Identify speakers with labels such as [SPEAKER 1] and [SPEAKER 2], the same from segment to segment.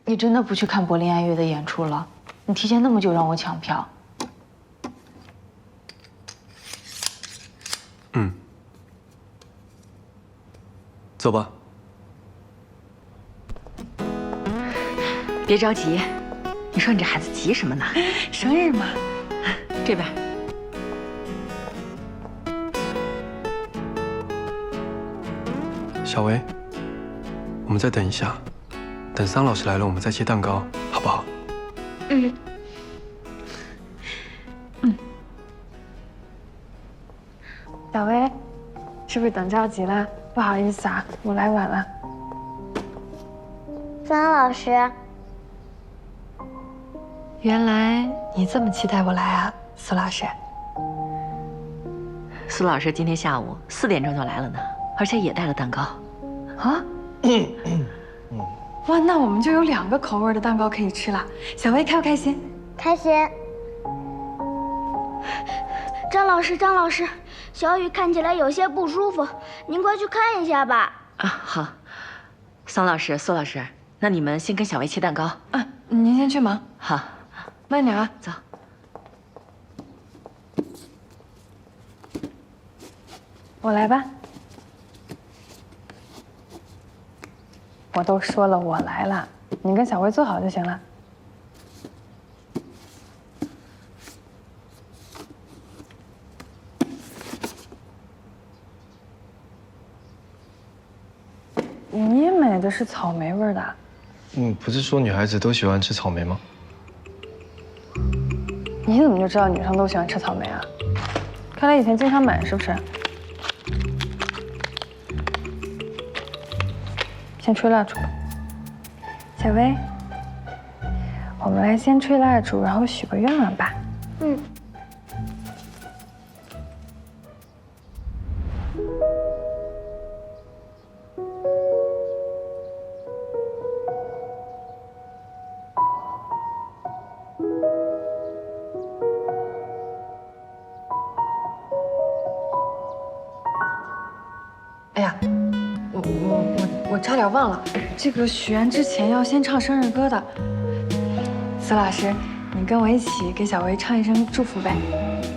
[SPEAKER 1] 你真的不去看柏林爱乐的演出了？你提前那么久让我抢票。
[SPEAKER 2] 走吧。
[SPEAKER 3] 别着急，你说你这孩子急什么呢？
[SPEAKER 1] 生日嘛。
[SPEAKER 3] 这边。
[SPEAKER 2] 小薇，我们再等一下，等桑老师来了，我们再切蛋糕，好不好？
[SPEAKER 1] 小薇，是不是等着急了？不好意思啊，我来晚了。
[SPEAKER 4] 桑老师，
[SPEAKER 1] 原来你这么期待我来啊，苏老师。
[SPEAKER 3] 苏老师今天下午4点钟就来了呢，而且也带了蛋糕。
[SPEAKER 1] 啊？哇，那我们就有2个口味的蛋糕可以吃了。小薇开不开心？
[SPEAKER 4] 开心。张老师，张老师，小雨看起来有些不舒服，您快去看一下吧。
[SPEAKER 3] 啊，好。桑老师、苏老师，那你们先跟小薇切蛋糕。
[SPEAKER 1] 嗯，您先去忙，
[SPEAKER 3] 好，
[SPEAKER 1] 慢点啊。
[SPEAKER 3] 走。
[SPEAKER 1] 我来吧。我都说了我来了，你跟小薇坐好就行了。你也买的是草莓味的？
[SPEAKER 2] 不是说女孩子都喜欢吃草莓吗？
[SPEAKER 1] 你怎么就知道女生都喜欢吃草莓啊？看来以前经常买是不是？先吹蜡烛，小薇，我们来先吹蜡烛，然后许个愿望吧。
[SPEAKER 4] 嗯。
[SPEAKER 1] 哎呀，我差点忘了，这个许愿之前要先唱生日歌的。苏老师，你跟我一起给小薇唱一声祝福呗。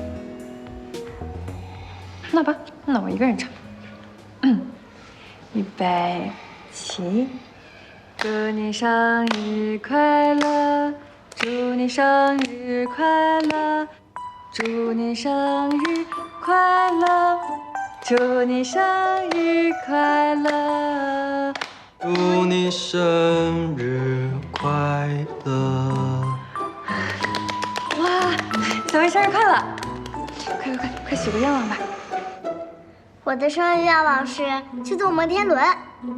[SPEAKER 1] 那吧，那我一个人唱。预备起，祝你生日快乐，祝你生日快乐，祝你生日快乐。祝你生日快乐！
[SPEAKER 2] 祝你生日快乐！
[SPEAKER 1] 哇，小薇生日快乐！快许个愿望吧！
[SPEAKER 4] 我的生日愿望是去坐摩天轮。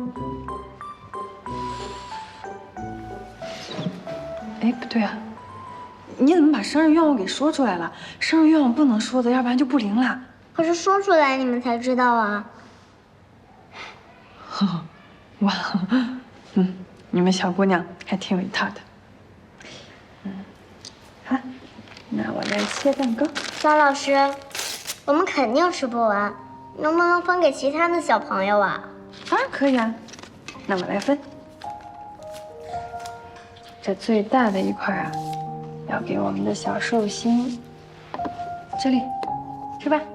[SPEAKER 1] 哎，不对啊，你怎么把生日愿望给说出来了？生日愿望不能说的，要不然就不灵了。
[SPEAKER 4] 可是说出来你们才知道啊。
[SPEAKER 1] 哇，你们小姑娘还挺有一套的。好，那我来切蛋糕。
[SPEAKER 4] 张老师，我们肯定吃不完，能不能分给其他的小朋友啊？
[SPEAKER 1] 当然可以啊，那我来分。这最大的一块啊，要给我们的小寿星。这里，吃吧。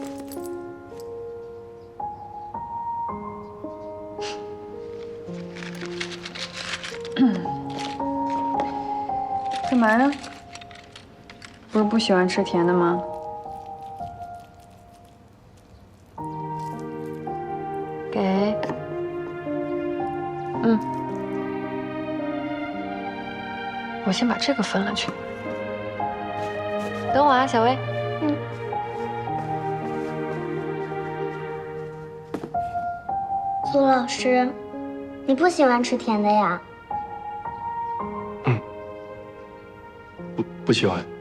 [SPEAKER 1] 干嘛呀？不是不喜欢吃甜的吗？给。我先把这个分了去。等我啊，小薇。
[SPEAKER 4] 苏老师，你不喜欢吃甜的呀？
[SPEAKER 2] 不喜欢。